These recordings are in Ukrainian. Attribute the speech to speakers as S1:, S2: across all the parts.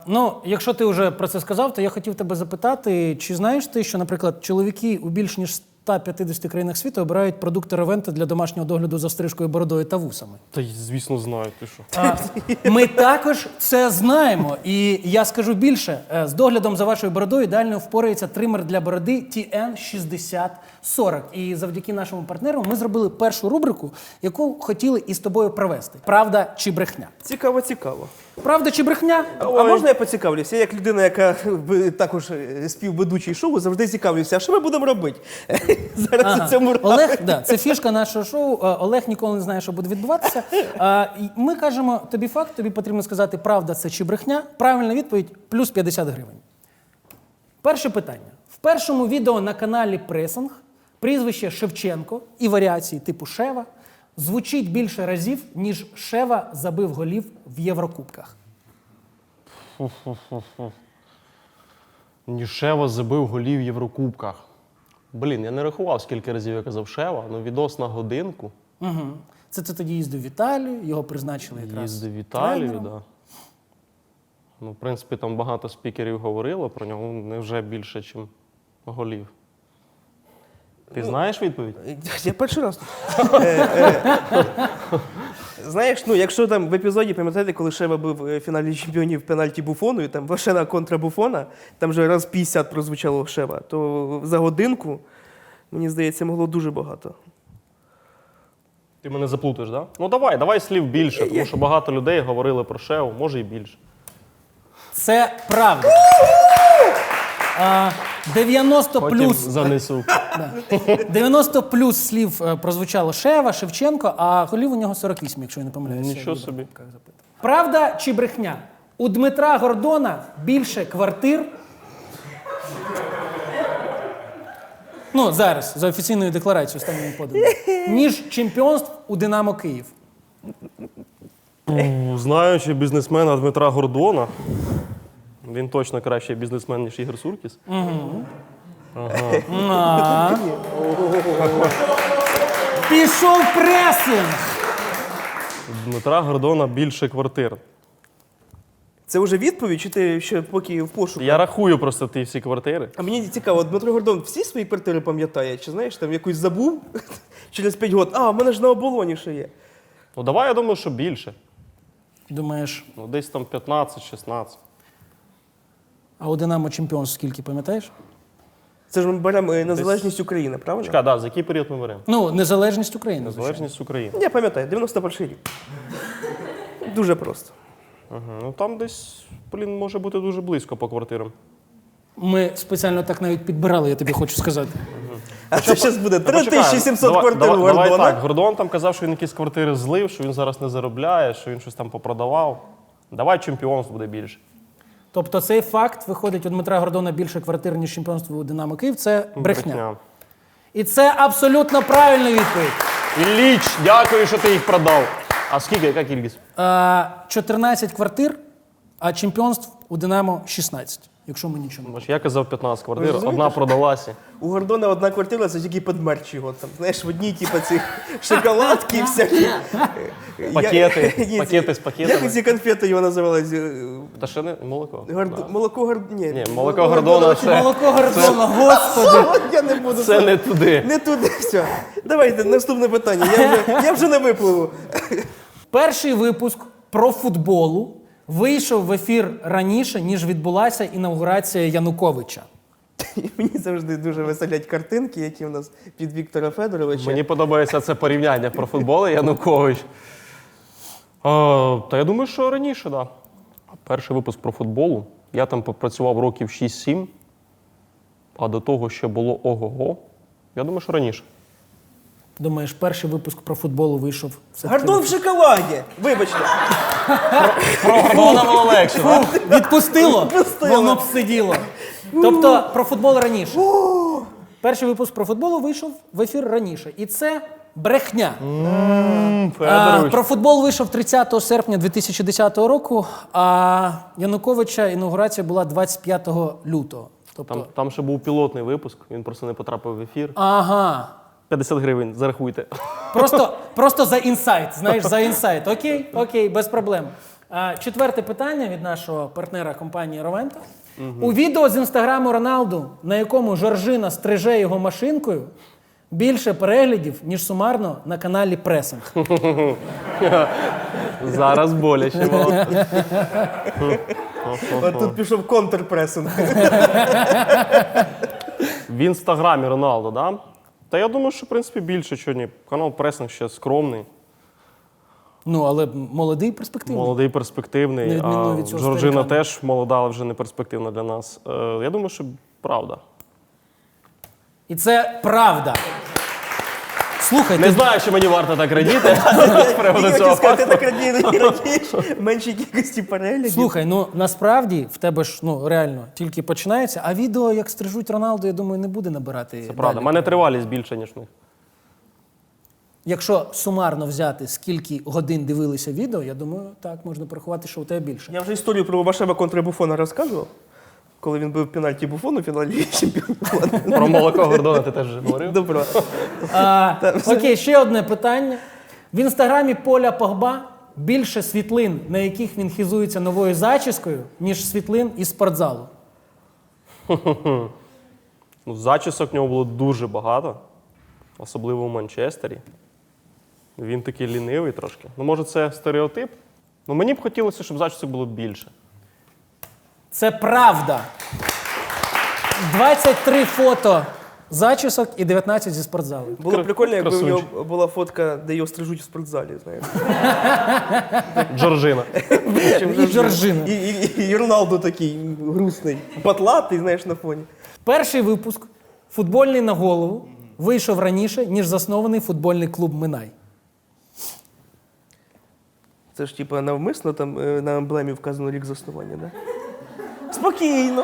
S1: Ну, якщо ти вже про це сказав, то я хотів тебе запитати, чи знаєш ти, що, наприклад, чоловіки у більш ніж 150 країнах світу обирають продукти Ревенти для домашнього догляду за стрижкою, бородою та вусами?
S2: Та звісно знаю, ти що.
S1: Ми також це знаємо. І я скажу більше. З доглядом за вашою бородою ідеально впорається тример для бороди TN6040. І завдяки нашому партнеру ми зробили першу рубрику, яку хотіли із тобою провести. Правда чи брехня?
S3: Цікаво, цікаво.
S1: Правда чи брехня?
S3: А можна я поцікавлюся? Я як людина, яка також співведучий шоу, завжди цікавлюся, а що ми будемо робити зараз у цьому раунді?
S1: Олег, да, це фішка нашого шоу. Олег ніколи не знає, що буде відбуватися. Ми кажемо тобі факт, тобі потрібно сказати, правда це чи брехня. Правильна відповідь – плюс 50 гривень. Перше питання. В першому відео на каналі Пресинг прізвище Шевченко і варіації типу Шева звучить більше разів, ніж Шева забив голів в Єврокубках.
S2: Шева забив голів в Єврокубках. Блін, я не рахував, скільки разів я казав Шева, але відос на годинку.
S1: Угу. Це ти тоді їздив в Італію, його призначили якраз
S2: Їздив в Італію,
S1: тренером.
S2: да. Ну, в принципі, там багато спікерів говорило про нього, невже більше, ніж голів. Ти знаєш відповідь?
S3: Я перший раз тут. Знаєш, ну якщо там в епізоді, пам'ятаєте, коли Шева був в фіналі чемпіонів пенальті Буфону, і там Вашена контра Буфона, там вже раз 50 прозвучало Шева, то за годинку, мені здається, могло дуже багато.
S2: Ти мене заплутаєш, так? Да? Ну давай слів більше, тому що багато людей говорили про Шеву, може і більше.
S1: Це правда. 90
S2: Потім
S1: плюс,
S2: занесу.
S1: 90 плюс слів прозвучало Шева, Шевченко, а голів у нього 48, якщо я не помиляюся.
S2: Нічого собі.
S1: Правда чи брехня? У Дмитра Гордона більше квартир. Ну, зараз, за офіційною декларацією останньому подану. Ніж чемпіонств у Динамо Київ.
S2: Знаючи бізнесмена Дмитра Гордона, він точно кращий бізнесмен, ніж Ігор Суркіс.
S1: Пішов пресинг!
S2: Дмитра Гордона більше квартир.
S3: Це вже відповідь, чи ти ще поки в пошуку?
S2: Я рахую просто ті всі квартири.
S3: А мені цікаво, Дмитро Гордон всі свої квартири пам'ятає? Чи знаєш, там якусь забув через 5 років? А, в мене ж на оболоні ще є.
S2: Ну давай, я думаю, що більше.
S1: Думаєш,
S2: Ну десь там 15-16.
S1: а у Динамо чемпіонств скільки, пам'ятаєш?
S3: Це ж ми беремо незалежність України, правильно?
S2: Чекай, да, за який період ми беремо?
S1: Ну, незалежність України.
S2: Незалежність України.
S3: Я пам'ятаю, 91 рік. Дуже просто.
S2: Ну там десь, може бути дуже близько по квартирам.
S1: Ми спеціально так навіть підбирали, я тобі хочу сказати.
S3: А це зараз буде
S2: Та почекай,
S3: 3700 квартир у
S2: Давай
S3: Гордона.
S2: так, Гордон там казав, що він якісь квартири злив, що він зараз не заробляє, що він щось там попродавав. Давай чемпіонство буде більше.
S1: Тобто цей факт, виходить, у Дмитра Гордона більше квартир, ніж чемпіонство у Динамо Київ, це брехня. І це абсолютно правильна відповідь.
S2: Ілліч, дякую, що ти їх продав. А скільки, яка кількість?
S1: 14 квартир, а чемпіонств у Динамо 16, якщо ми нічого не
S2: Бач, я казав 15 квартир,
S3: розумієте,
S2: одна продалася.
S3: У Гордона одна квартира, це тільки під мерч його. Там, знаєш, в одній, типу, цих шоколадки всякі.
S2: Пакети з пакетами.
S3: Як ці конфети його називали?
S2: Та ще не молоко.
S3: Молоко Гордона.
S2: Ні, молоко Гордона це...
S1: Молоко Гордона, господи!
S3: Я не буду.
S2: Це не туди.
S3: Не туди, все. Давайте, наступне питання. Я вже не випливу.
S1: Перший випуск про футболу вийшов в ефір раніше, ніж відбулася інаугурація Януковича.
S3: Мені завжди дуже веселять картинки, які в нас під Віктора Федоровича.
S2: Мені подобається це порівняння про футбол і Янукович. Та я думаю, що раніше, так. Да. Перший випуск про футболу. Я там попрацював років 6-7, а до того ще було ого-го. Я думаю, що раніше.
S1: Думаєш, перший випуск про футболу вийшов
S3: Гордон в шоколаді! Вибачте.
S2: Про Гордона було легше.
S1: Відпустило?
S3: Відпустило.
S1: Воно б сиділо. Тобто про футбол раніше. Перший випуск про футбол вийшов в ефір раніше. І це брехня.
S2: Федорович.
S1: Про футбол вийшов 30 серпня 2010 року, а Януковича інаугурація була 25 лютого. Тобто...
S2: Там ще був пілотний випуск, він просто не потрапив в ефір.
S1: Ага.
S2: 50 гривень, зарахуйте.
S1: Просто за інсайт, знаєш, за інсайт. Окей, без проблем. Четверте питання від нашого партнера компанії Ровента. У відео з інстаграму Роналду, на якому Жоржина стриже його машинкою, більше переглядів, ніж сумарно на каналі Пресинг.
S2: Зараз боляче. Володь.
S3: От тут пішов контрпресинг.
S2: В інстаграмі Роналдо, да? Та я думаю, що в принципі більше, що ні. Канал Пресинг ще скромний,
S1: Ну, але молодий, перспективний.
S2: молодий, перспективний.
S1: На відміну
S2: А
S1: від цього
S2: Жоржина
S1: старикана.
S2: теж молода, але вже не перспективна для нас. Я думаю, що правда.
S1: І це правда. Слухай,
S2: Не
S1: ти
S2: знаю, чи мені варто так радіти з приводу
S3: Я
S2: цього
S3: хотів сказати,
S2: факту.
S3: так радієш, меншій кількості переглядів.
S1: Слухай, ну насправді в тебе ж ну реально тільки починається, а відео, як стрижуть Роналду, я думаю, не буде набирати.
S2: Це правда. У мене тривалість більше, ніж в них.
S1: Якщо сумарно взяти, скільки годин дивилися відео, я думаю, так можна порахувати, що у тебе більше.
S3: Я вже історію про Вашева конtra Буфона розказував, коли він бив пенальті Буфону в фіналі чемпіонату.
S2: Про молоко Гордона ти теж вже говорив.
S3: Добро.
S1: Окей, ще одне питання. В інстаграмі Поля Погба більше світлин, на яких він хизується новою зачіскою, ніж світлин із спортзалу.
S2: Ну, зачісок в нього було дуже багато, особливо в Манчестері. Він такий лінивий трошки. Ну, може, це стереотип? Ну, мені б хотілося, щоб зачісок було більше.
S1: Це правда. 23 фото зачісок і 19 зі спортзалу.
S3: Було б прикольно, якби в
S2: Красунчик.
S3: нього була фотка, де його стрижуть в спортзалі, знаєш.
S2: Джорджина.
S1: І Жоржина.
S3: І Роналду такий грустний, патлатий, знаєш, на фоні.
S1: Перший випуск «Футбольний на голову» вийшов раніше, ніж заснований футбольний клуб «Минай».
S3: Це ж типа навмисно там на емблемі вказано рік заснування, да? Спокійно.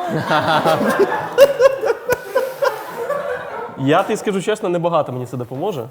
S2: Я тобі скажу чесно, небагато мені це допоможе.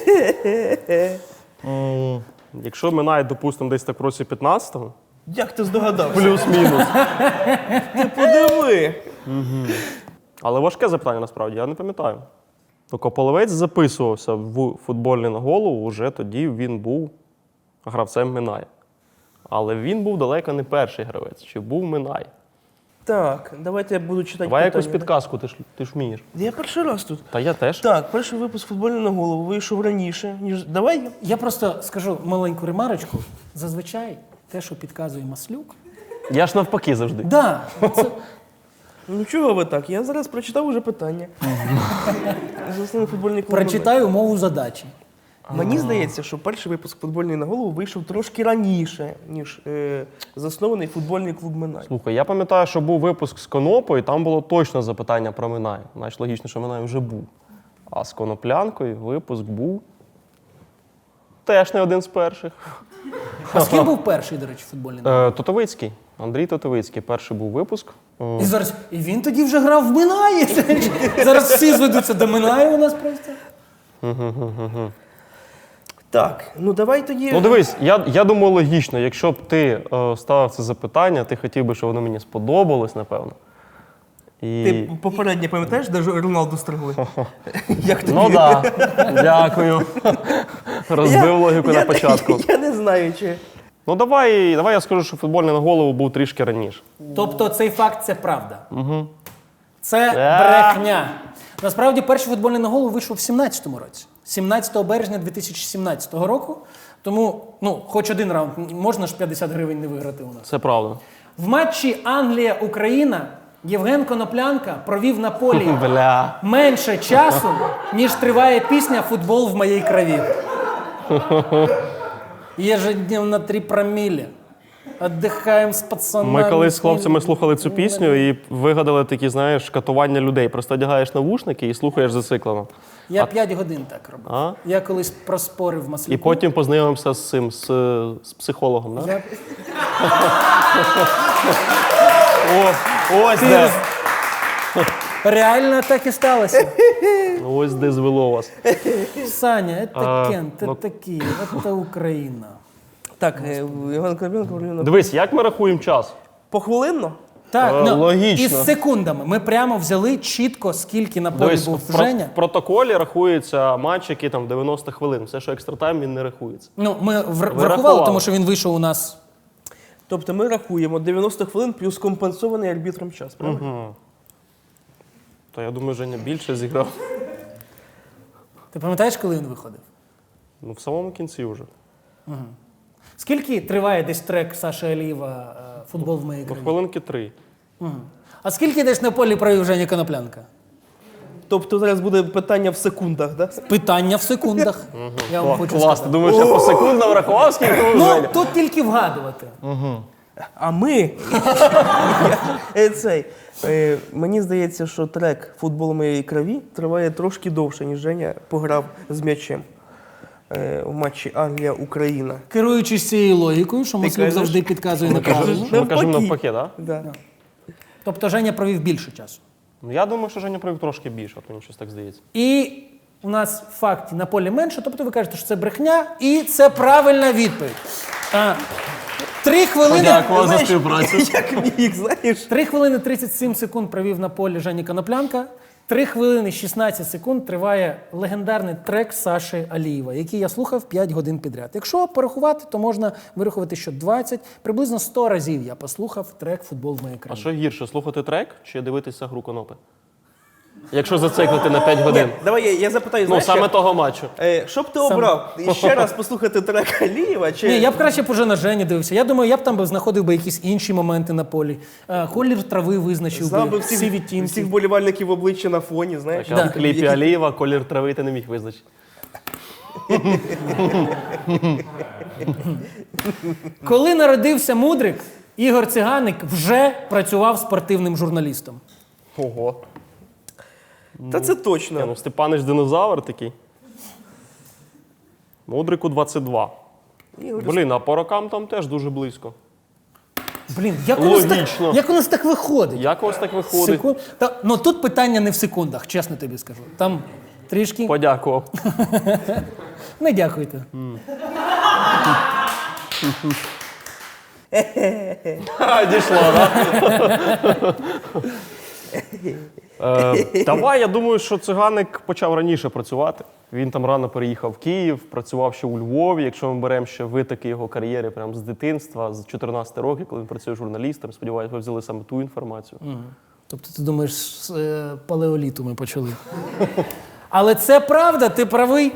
S2: Якщо минає, допустимо, десь так в році 15-го,
S3: Як ти здогадався?
S2: плюс-мінус.
S3: Ти подиви.
S2: Але важке запитання насправді, я не пам'ятаю. Ну, Кополовець записувався в футбольний на голову, вже тоді він був гравцем Минай. Але він був далеко не перший гравець, чи був Минай.
S3: Так, давайте я буду читати
S2: Давай якусь
S3: питання.
S2: підказку, ти ж вмієш.
S3: Я перший раз тут.
S2: Та я теж.
S3: Так, перший випуск футбольний на голову вийшов раніше, ніж. Давай.
S1: Я просто скажу маленьку ремарочку. Зазвичай те, що підказує Маслюк.
S2: Я ж навпаки завжди.
S1: Да, це,
S3: Ну чого ви так? Я зараз прочитав уже питання. Заснований футбольний клуб.
S1: прочитаю умову задачі.
S3: Мені здається, що перший випуск футбольний на голову вийшов трошки раніше, ніж заснований футбольний клуб Минай.
S2: Слухай, я пам'ятаю, що був випуск з Конопою, там було точно запитання про Минай. Значить, логічно, що Минай вже був. А з Коноплянкою випуск був теж не один з перших.
S1: А з ким був перший, до речі, футбольний?
S2: Тотовицький. Андрій Тотовицький. Перший був випуск.
S1: І зараз і він тоді вже грав в Минаї. Зараз всі зведуться до Минаю у нас просто.
S3: Так, ну давай тоді.
S2: Ну дивись, я думаю, логічно, якщо б ти ставив це запитання, ти хотів би, щоб воно мені сподобалось, напевно. І...
S3: Ти попереднє пам'ятаєш, де ж Роналду стригли? Як тобі?
S2: Ну так, дякую. Розбив логіку на початку.
S3: Я не знаю, чи.
S2: Ну давай я скажу, що футбольний на голову був трішки раніше.
S1: Тобто цей факт це правда. Це брехня. Насправді перший футбольний на голову вийшов в 17-му році. 17 березня 2017 року. Тому, ну, хоч один раунд, можна ж 50 гривень не виграти у нас.
S2: Це правда.
S1: В матчі Англія-Україна Євген Коноплянка провів на полі
S2: Бля.
S1: менше часу, ніж триває пісня «Футбол в моїй крові». Ежедневно 3 промілі. Отдихаємо з пацанами.
S2: Ми колись з хлопцями слухали цю пісню і вигадали такі, знаєш, катування людей. Просто одягаєш навушники і слухаєш зациклено.
S1: Я 5 годин так робив.
S2: А?
S1: Я колись проспорив Маслюку.
S2: І потім познайомився з цим, з психологом, да?
S1: Я...
S2: Ось де.
S1: Реально так і сталося.
S2: Ось де звело вас.
S1: Саня, це Кент,
S2: ну-
S1: це Київ, це Україна.
S3: Так, Іван Коноплянка говорив
S2: Дивись, як ми рахуємо час?
S3: похвилинно?
S1: Так,
S2: логічно.
S1: із секундами. Ми прямо взяли чітко, скільки на полі
S2: Дивись,
S1: був
S2: в
S1: Женя.
S2: протоколі рахується матч, який там 90 хвилин. Все, що екстратайм, він не рахується.
S1: Ну, ми врахували,
S2: рахували.
S1: тому що він вийшов у нас.
S3: Тобто ми рахуємо 90 хвилин плюс компенсований арбітром час, правильно?
S2: То я думаю, Женя більше зіграв.
S1: Ти пам'ятаєш, коли він виходив?
S2: Ну, в самому кінці вже.
S1: Скільки триває десь трек Саші Алієва «Футбол в моїй
S2: Ну,
S1: країні»?
S2: хвилинки 3.
S1: А скільки десь на полі провів Женя Коноплянка?
S3: Тобто зараз буде питання в секундах, да?
S1: Питання в секундах. Я вам хочу
S2: Клас,
S1: сказати.
S2: ти думаєш, я посекундно врахував, скільки був
S1: Ну,
S2: Женя?
S1: тут тільки вгадувати.
S3: А ми мені здається, що трек «Футбол моєї крові» триває трошки довше, ніж Женя пограв з м'ячем в матчі Англія-Україна.
S1: Керуючись цією логікою, що Маслюк
S3: кажеш?
S1: завжди підказує неправильно.
S2: Ми кажемо навпаки, так?
S3: Да.
S1: Тобто Женя провів більше часу.
S2: Ну, я думаю, що Женя провів трошки більше, а то мені щось так здається.
S1: І у нас в факті на полі менше, тобто ви кажете, що це брехня, і це правильна відповідь. 3 хвилини,
S3: Знаєш, як міг, знаєш?
S1: 3 хвилини 37 секунд провів на полі Жені Коноплянка. 3 хвилини 16 секунд триває легендарний трек Саші Алієва, який я слухав 5 годин підряд. Якщо порахувати, то можна вирахувати, що 20, приблизно 100 разів я послухав трек «Футбол в моїй
S2: А
S1: країні».
S2: що гірше, слухати трек чи дивитися гру Конопи? Якщо зациклити на 5 годин.
S3: Давай я запитаю,
S2: Ну,
S3: знаєш,
S2: саме
S3: як?
S2: того матчу.
S3: Що б ти обрав? Ще раз послухати трек Алієва? Чи...
S1: Ні, я б краще б уже на Жені дивився. Я думаю, я б там знаходив би якісь інші моменти на полі. Колір трави визначив
S3: Знав би
S1: би, всі
S3: всіх
S1: відтінки.
S3: вболівальників обличчя на фоні, знаєш?
S2: А в кліпі Алієва колір трави ти не міг визначити.
S1: Коли народився Мудрик, Ігор Циганик вже працював спортивним журналістом.
S2: Ого.
S3: Та це точно.
S2: Ну, Степанич динозавр такий. Мудрику 22. Блін, а по рокам там теж дуже близько.
S1: Блін,
S2: Логічно.
S1: як у нас так виходить?
S2: Як у вас так виходить?
S1: Ну тут питання не в секундах, чесно тобі скажу. Там трішки.
S2: Подякував.
S1: Не дякуйте.
S2: Дійшло, так? Давай, я думаю, що Циганик почав раніше працювати. Він там рано переїхав в Київ, працював ще у Львові. Якщо ми беремо ще витоки його кар'єри прямо з дитинства, з 14 років, коли він працює журналістом, сподіваюся, ви взяли саме ту інформацію.
S1: Тобто ти думаєш, з палеоліту ми почали. Але це правда, ти правий.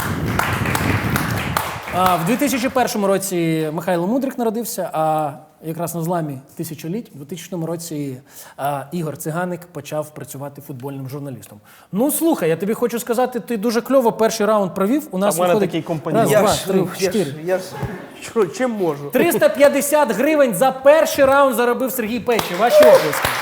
S1: В 2001 році Михайло Мудрик народився, а якраз на зламі тисячоліть, у 2000 році Ігор Циганик почав працювати футбольним журналістом. Ну, слухай, я тобі хочу сказати, ти дуже кльово перший раунд провів. У нас
S2: в мене
S1: виходить
S2: такий компаньйон.
S1: раз, два, три, чотири.
S3: Чим можу?
S1: 350 гривень за перший раунд заробив Сергій Печі. Ваші оплески.